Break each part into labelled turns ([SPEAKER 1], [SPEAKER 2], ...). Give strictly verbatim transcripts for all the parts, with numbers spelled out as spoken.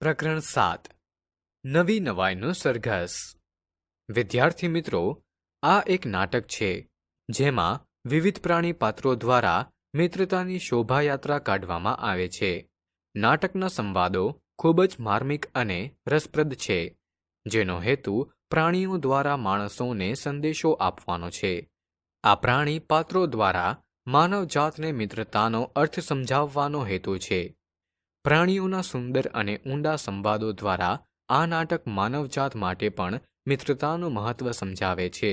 [SPEAKER 1] પ્રકરણ સાત નવી નવાઈનો સરઘસ. વિદ્યાર્થી મિત્રો, આ એક નાટક છે જેમાં વિવિધ પ્રાણી પાત્રો દ્વારા મિત્રતાની શોભાયાત્રા કાઢવામાં આવે છે. નાટકના સંવાદો ખૂબ જ માર્મિક અને રસપ્રદ છે, જેનો હેતુ પ્રાણીઓ દ્વારા માણસોને સંદેશો આપવાનો છે. આ પ્રાણી પાત્રો દ્વારા માનવજાતને મિત્રતાનો અર્થ સમજાવવાનો હેતુ છે. પ્રાણીઓના સુંદર અને ઊંડા સંવાદો દ્વારા આ નાટક માનવજાત માટે પણ મિત્રતાનું મહત્વ સમજાવે છે.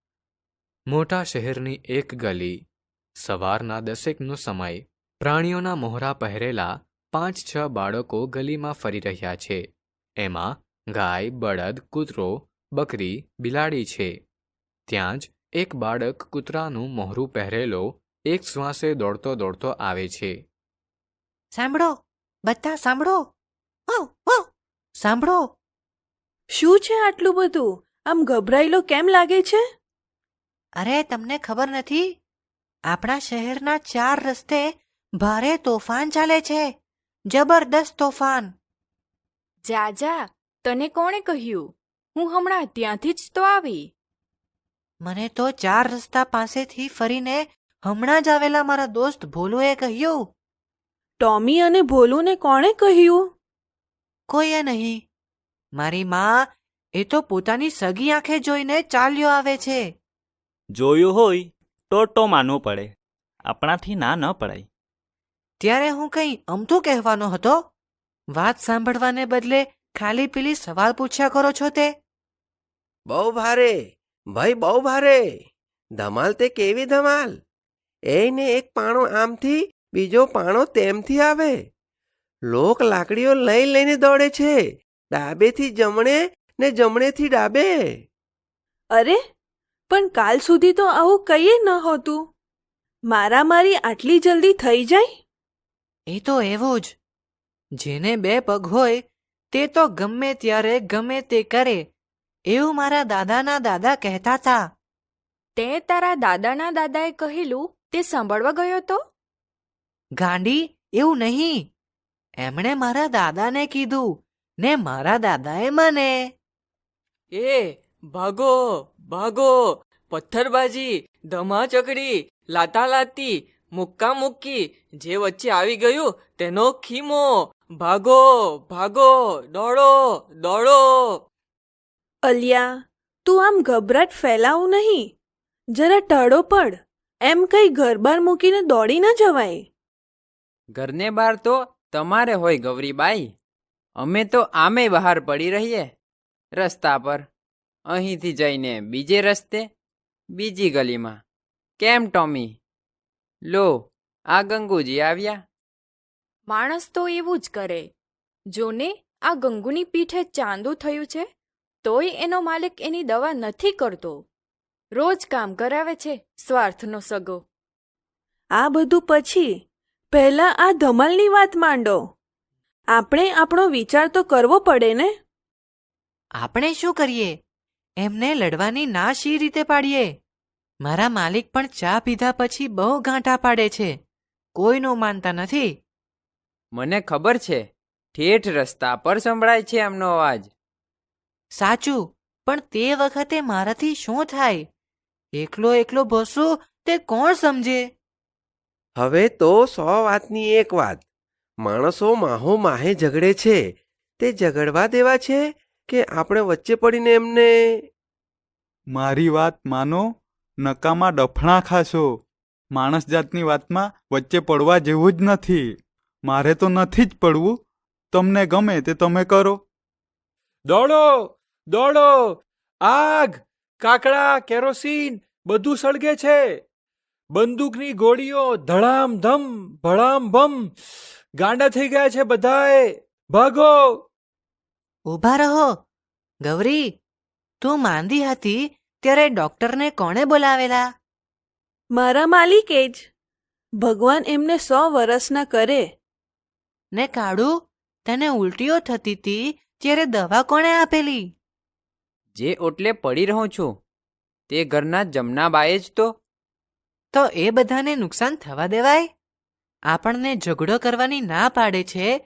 [SPEAKER 1] મોટા શહેરની એક ગલી. સવારના દસેકનો સમય. પ્રાણીઓના મોહરા પહેરેલા પાંચ છ બાળકો ગલીમાં ફરી રહ્યા છે. એમાં ગાય, બળદ, કૂતરો, બકરી, બિલાડી છે. ત્યાં જ એક બાળક કૂતરાનું મોહરું પહેરેલો એક શ્વાસે દોડતો દોડતો આવે છે.
[SPEAKER 2] સાંભળો, બધા સાંભળો, વાવ વાવ, સાંભળો.
[SPEAKER 3] શું છે આટલું બધું? આમ ગભરાયેલો કેમ લાગે છે?
[SPEAKER 2] અરે, તમને ખબર નથી? આપણા શહેરના ચાર રસ્તે ભારે તોફાન ચાલે છે. જબરદસ્ત તોફાન.
[SPEAKER 4] જા જા, તને કોણે કહ્યું? હું હમણાં ત્યાંથી જ તો આવી.
[SPEAKER 2] મને તો ચાર રસ્તા પાસેથી ફરીને હમણાં જ આવેલા મારા દોસ્ત ભોલુએ કહ્યું.
[SPEAKER 3] ટોમી અને ભોલુને કોણે કહ્યું?
[SPEAKER 2] કોઈએ નહીં. મારી માં એ તો પોતાની સગી આંખે જોઈને ચાલ્યો આવે છે.
[SPEAKER 5] જોયું હોય તો તો માનવું પડે, આપણાથી ના ન પડાય.
[SPEAKER 2] ત્યારે હું કંઈ અમથું કહેવાનો હતો? વાત સાંભળવાને બદલે ખાલી પેલી સવાલ પૂછ્યા કરો છો તે.
[SPEAKER 6] બહુ ભારે ભાઈ, બહુ ભારે. ધમાલ તે કેવી ધમાલ! એને એક પાણો આમથી બીજો પાણો તેમથી આવે. લોક લાકડીઓ લઈ લઈને દોડે છે, ડાબેથી જમણે ને જમણેથી ડાબે.
[SPEAKER 3] અરે, પણ કાલ સુધી તો આવું કંઈ ન હોતું. મારામારી આટલી જલ્દી થઈ જાય?
[SPEAKER 2] એ તો એવું જ. જેને બે પગ હોય તે તો ગમે ત્યારે ગમે તે કરે, એવું મારા દાદાના દાદા કહેતા હતા.
[SPEAKER 4] તે તારા દાદાના દાદાએ કહેલું તે સાંભળવા ગયો તો?
[SPEAKER 2] ગાંડી, એવું નહીં. એમણે મારા દાદાને કીધું ને મારા દાદાએ મને.
[SPEAKER 7] એ ભાગો ભાગો, પથ્થરબાજી, ધમાચકડી, લાતાલાતી, મુક્કા મુક્કી, જે વચ્ચે આવી ગયું તેનો ખીમો. ભાગો ભાગો, દોડો દોડો.
[SPEAKER 3] અલિયા, તું આમ ગભરાટ ફેલાવું નહીં. જરા ટળો પડ. એમ કઈ ઘર બાર મૂકીને દોડી ન જવાય.
[SPEAKER 7] ઘરને બહાર તો તમારે હોય ગૌરીબાઈ. અમે તો આમે બહાર પડી રહીએ રસ્તા પર. અહીંથી જઈને બીજે રસ્તે, બીજી ગલીમાં. કેમ ટોમી? લો, આ ગંગુજી આવ્યા.
[SPEAKER 4] માણસ તો એવું જ કરે. જોને, આ ગંગુની પીઠે ચાંદુ થયું છે, તોય એનો માલિક એની દવા નથી કરતો. રોજ કામ કરાવે છે, સ્વાર્થનો સગો.
[SPEAKER 3] આ બધું પછી પહેલા આ ધમાલની વાત માંડો. આપણે આપણો વિચાર તો કરવો પડે ને.
[SPEAKER 2] આપણે શું કરીએ? એમને લડવાની ના શી રીતે પાડીએ? મારા માલિક પણ ચા પીધા પછી બહુ ગાંઠા પાડે છે. કોઈનું માનતા નથી.
[SPEAKER 7] મને ખબર છે, ઠેઠ રસ્તા પર સંભળાય છે એમનો અવાજ.
[SPEAKER 2] સાચું, પણ તે વખતે મારાથી શું થાય? એકલો એકલો ભસું તે કોણ સમજે?
[SPEAKER 6] હવે તો સો વાતની એક વાત. માણસો માહો માહે ઝઘડે છે, તે ઝઘડવા દેવા છે કે આપણે વચ્ચે પડીને એમને?
[SPEAKER 8] મારી વાત માનો, નકામાં ડફણા ખાશો. માણસ જાતની વાતમાં વચ્ચે પડવા જેવું જ નથી. મારે તો નથી જ પડવું. તમને ગમે તે તમે કરો.
[SPEAKER 9] દોડો દોડો, આગ, કાકડા, કેરોસીન બધું સળગે છે. બંદૂકની ગોળીઓ ધડામ ધમ ભડામ ભમ. ગાંડા થઈ ગયા છે બધાએ. ભાગો.
[SPEAKER 2] ઊભા રહો. ગૌરી, તું માંદી હતી ત્યારે ડોક્ટરને કોણે બોલાવેલા?
[SPEAKER 3] મારા માલિકે જ. ભગવાન એમને સો વર્ષના કરે.
[SPEAKER 2] ને કાળુ, તને ઉલટીઓ થતી હતી ત્યારે દવા કોણે આપેલી?
[SPEAKER 7] જે ઓટલે પડી રહું છું તે ઘરના જમનાબાએ જ તો.
[SPEAKER 2] તો એ બધાને નુકસાન થવા દેવાય? આપણને ઝઘડો કરવાની ના પાડે છે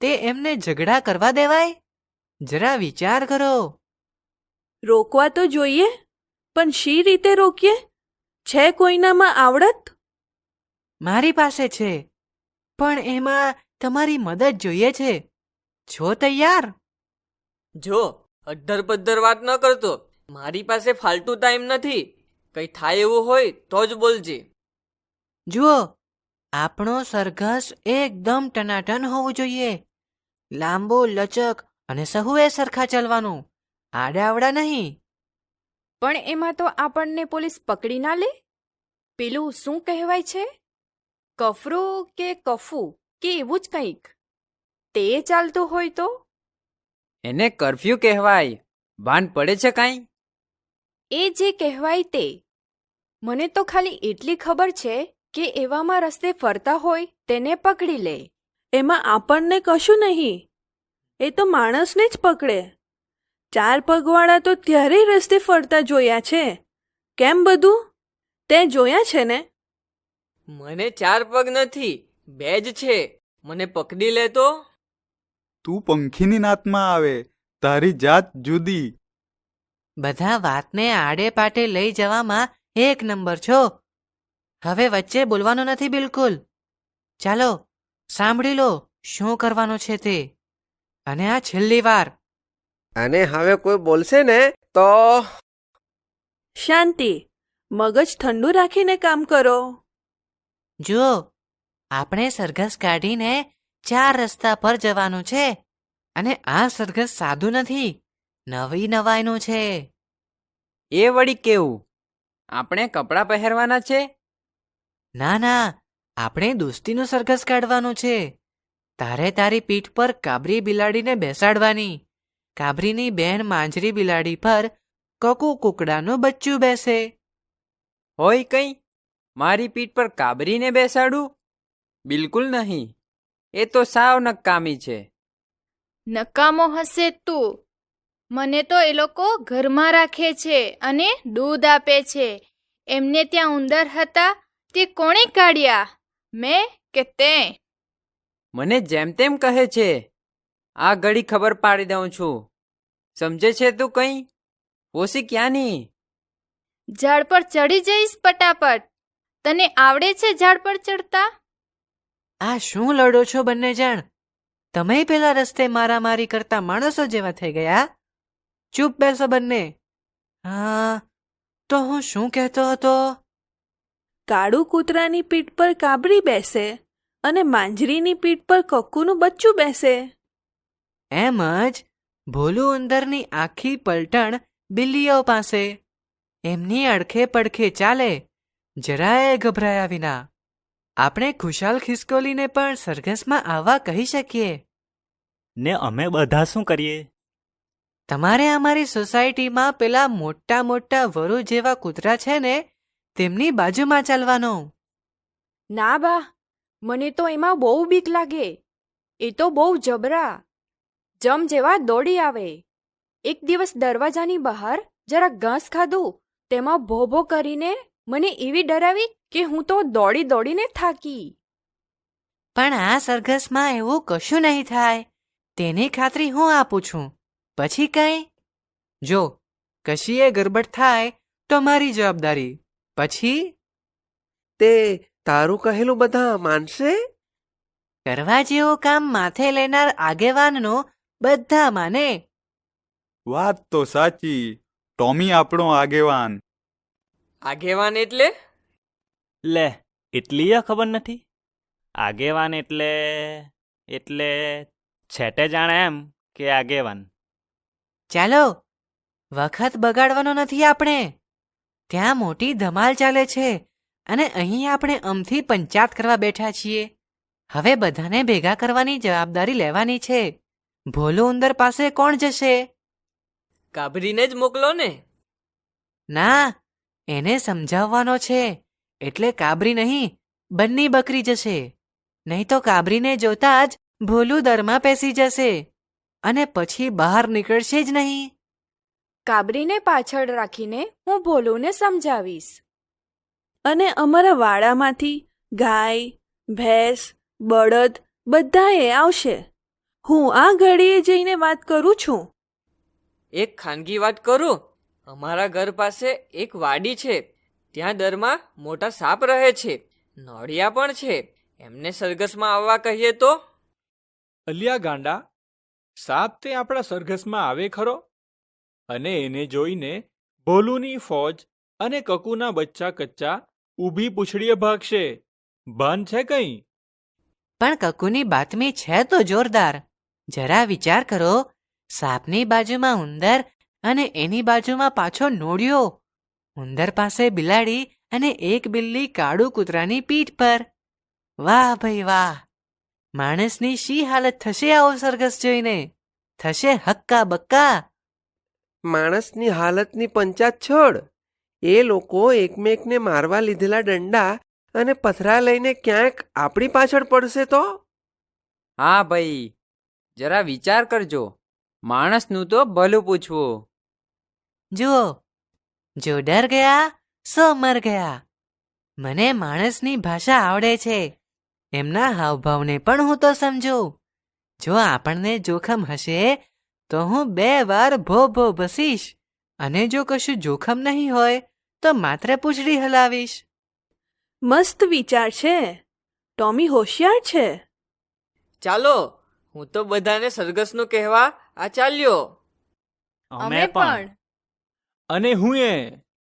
[SPEAKER 2] તે એમને ઝઘડા કરવા દેવાય? જરા વિચાર કરો.
[SPEAKER 3] રોકવા તો જોઈએ, પણ શી રીતે રોકીએ? છે કોઈનામાં આવડત?
[SPEAKER 2] મારી પાસે છે, પણ એમાં તમારી મદદ જોઈએ છે. છો તૈયાર?
[SPEAKER 10] જો અડધર પદ્ધર વાત ન કરતો, મારી પાસે ફાલતુ ટાઈમ નથી. કઈ થાય એવું હોય તો જ બોલજે.
[SPEAKER 2] જુઓ, આપણો સરઘસ એકદમ ટનાટન હોવું જોઈએ. લાંબો, લચક અને સહુએ સરખા ચાલવાનું, આડાવડા નહીં.
[SPEAKER 4] પણ એમાં તો આપણને પોલીસ પકડી ના લે. પેલું શું કહેવાય છે, કફરું કે કફુ કે એવું જ કંઈક, તે ચાલતું હોય તો?
[SPEAKER 7] એને કરફ્યુ કહેવાય. ભાન પડે છે કાંઈ?
[SPEAKER 4] એ જે કહેવાય તે. મને તો ખાલી એટલી ખબર છે કે એવામાં રસ્તે ફરતા હોય તેને પકડી લે.
[SPEAKER 3] એમાં આપણને કશું નહીં, એ તો માણસને જ પકડે. ચાર પગવાળા તો ત્યારે રસ્તે ફરતા જોયા છે. કેમ બધું? તે જોયા છે ને?
[SPEAKER 10] મને ચાર પગ નથી, બે જ છે. મને પકડી લે તો?
[SPEAKER 8] તું પંખીની નાતમાં આવે, તારી જાત જુદી.
[SPEAKER 2] બધા વાતને આડે પાટે લઈ જવામાં એક નંબર છો. હવે વચ્ચે બોલવાનું નથી બિલકુલ. ચાલો, સાંભળી લો શું કરવાનું છે તે. અને આ છેલ્લી વાર.
[SPEAKER 6] અને હવે કોઈ બોલશે ને તો
[SPEAKER 3] શાંતિ, મગજ ઠંડુ રાખીને કામ કરો.
[SPEAKER 2] જુઓ, આપણે સરઘસ કાઢીને ચાર રસ્તા પર જવાનું છે. અને આ સરઘસ સાદું નથી, નવી નવાઈનું છે.
[SPEAKER 7] એ વળી કેવું? આપણે કપડાં પહેરવાના છે?
[SPEAKER 2] ના ના, આપણે દોસ્તીનું સરઘસ કાઢવાનું છે. તારે તારી પીઠ પર કાબરી બિલાડીને બેસાડવાની. કાબરીની બેન માંજરી બિલાડી પર કકુ કુકડાનું બચ્ચું બેસે.
[SPEAKER 7] હોય કંઈ? મારી પીઠ પર કાબરીને બેસાડું? બિલકુલ નહીં. એ તો સાવ નકામી છે.
[SPEAKER 11] નકામો હશે તું. મને તો એ લોકો ઘરમાં રાખે છે અને દૂધ આપે છે. એમને ત્યાં ઉંદર હતા, તે કોણે કાઢ્યા? મેં કે તે?
[SPEAKER 7] મને જેમ તેમ કહે છે. આ ઘડી ખબર પાડી દઉં છું. સમજે છે તું કંઈ? ઓછી ક્યાંની?
[SPEAKER 11] ઝાડ પર ચડી જઈશ પટાપટ. તને આવડે છે ઝાડ પર ચડતા?
[SPEAKER 2] આ શું લડો છો બંને જણ? તમે પેલા રસ્તે મારામારી કરતા માણસો જેવા થઈ ગયા. ચૂપ બેસો બંને. હા, તો હું શું કહેતો હતો?
[SPEAKER 3] કાળું કૂતરાની પીઠ પર કાબરી બેસે અને માંજરીની પીઠ પર કક્કુનું બચ્ચું બેસે.
[SPEAKER 2] એમ જ ભોલું ઉંદરની આખી પલટણ બિલ્લીઓ પાસે. એમની અડખે પડખે ચાલે, જરાય ગભરાયા વિના. આપણે ખુશાલ ખિસકોલીને પણ સરઘસમાં આવવા કહી શકીએ.
[SPEAKER 5] ને અમે બધા શું કરીએ?
[SPEAKER 2] તમારે અમારી સોસાયટીમાં પેલા મોટા મોટા વરુ જેવા કૂતરા છે ને, તેમની બાજુમાં ચાલવાનો.
[SPEAKER 4] ના બા, મને તો એમાં બહુ બીક લાગે. એ તો બહુ જબરા, જમ જેવા દોડી આવે. એક દિવસ દરવાજાની બહાર જરા ઘાસ ખાધું, તેમાં ભો ભો કરીને મને એવી ડરાવી કે હું તો દોડી દોડીને થાકી.
[SPEAKER 2] પણ આ સરઘસમાં એવું કશું નહીં થાય, તેની ખાતરી હું આપું છું. પછી કંઈ? જો કશીએ ગરબડ થાય તો મારી જવાબદારી. પછી
[SPEAKER 6] તે તારું કહેલું બધા માનશે?
[SPEAKER 2] કરવા જેવું કામ માથે લેનાર આગેવાનનો બધા માને.
[SPEAKER 8] વાત તો સાચી. ટોમી આપણો આગેવાન.
[SPEAKER 10] આગેવાન એટલે?
[SPEAKER 5] લે, એટલી ખબર નથી? આગેવાન એટલે એટલે છેટે જાણે એમ કે આગેવાન.
[SPEAKER 2] ચાલો, વખત બગાડવાનો નથી આપણે. ત્યાં મોટી ધમાલ ચાલે છે અને અહીં આપણે અમથી પંચાત કરવા બેઠા છીએ. હવે બધાને ભેગા કરવાની જવાબદારી લેવાની છે. ભોલું ઉંદર પાસે કોણ જશે?
[SPEAKER 10] કાબરીને જ મોકલો ને.
[SPEAKER 2] ના, એને સમજાવવાનો છે. એટલે કાબરી નહીં, બંની બકરી જશે. નહીં તો કાબરીને જોતા જ ભોલું દરમાં પેસી જશે અને પછી બહાર નીકળશે જ નહીં.
[SPEAKER 4] કાબરીને પાછળ રાખીને હું ભોલુને સમજાવીશ.
[SPEAKER 3] અને અમારા વાડામાંથી ગાય, ભેંસ, બળદ બધાએ આવશે. હું આ ઘડીએ જઈને વાત કરું છું.
[SPEAKER 10] એક ખાનગી વાત કરું. અમારા ઘર પાસે એક વાડી છે. ત્યાં દરમાં મોટા સાપ રહે છે, નોળિયા પણ છે. એમને સરઘસમાં આવવા કહીએ તો?
[SPEAKER 9] અલિયા ગાંડા, સાપ તે આપણા સરઘસમાં આવે ખરો? અને એને જોઈને ભોલુની ફોજ અને કકુના બચ્ચા કચ્ચા ઊભી પૂંછડીએ ભાગશે. ભાન છે કંઈ?
[SPEAKER 2] પણ કકુની બાતમી છે તો જોરદાર. જરા વિચાર કરો, સાપની બાજુમાં ઉંદર અને એની બાજુમાં પાછો નોળિયો. ઉંદર પાસે બિલાડી અને એક બિલ્લી કાળુ કૂતરાની પીઠ પર. વાહ ભાઈ વાહ! માણસની શી હાલત થશે આવો સરઘસ જોઈને? થશે હક્કા બક્કા.
[SPEAKER 6] માણસની હાલતની પંચાત છોડ. એ લોકો એકમેકને મારવા લીધેલા દંડા અને પથરા લઈને ક્યાંક આપણી પાછળ પડશે તો?
[SPEAKER 7] હા ભાઈ, જરા વિચાર કરજો. માણસનું તો ભલું પૂછવું.
[SPEAKER 2] જુઓ, જો ડર ગયા સો મર ગયા. મને માણસની ભાષા આવડે છે. એમના હાવભાવને પણ હું તો સમજું. જો આપણને જોખમ હશે તો હું બે વાર ભો ભો ભસીશ, અને જો કશું જોખમ નહીં હોય તો માત્ર પૂંછડી હલાવીશ.
[SPEAKER 3] મસ્ત વિચાર છે. ટોમી હોશિયાર છે.
[SPEAKER 10] ચાલો, હું તો બધાને સરઘસનું કહેવા આ ચાલ્યો.
[SPEAKER 5] અમે પણ.
[SPEAKER 9] અને હું એ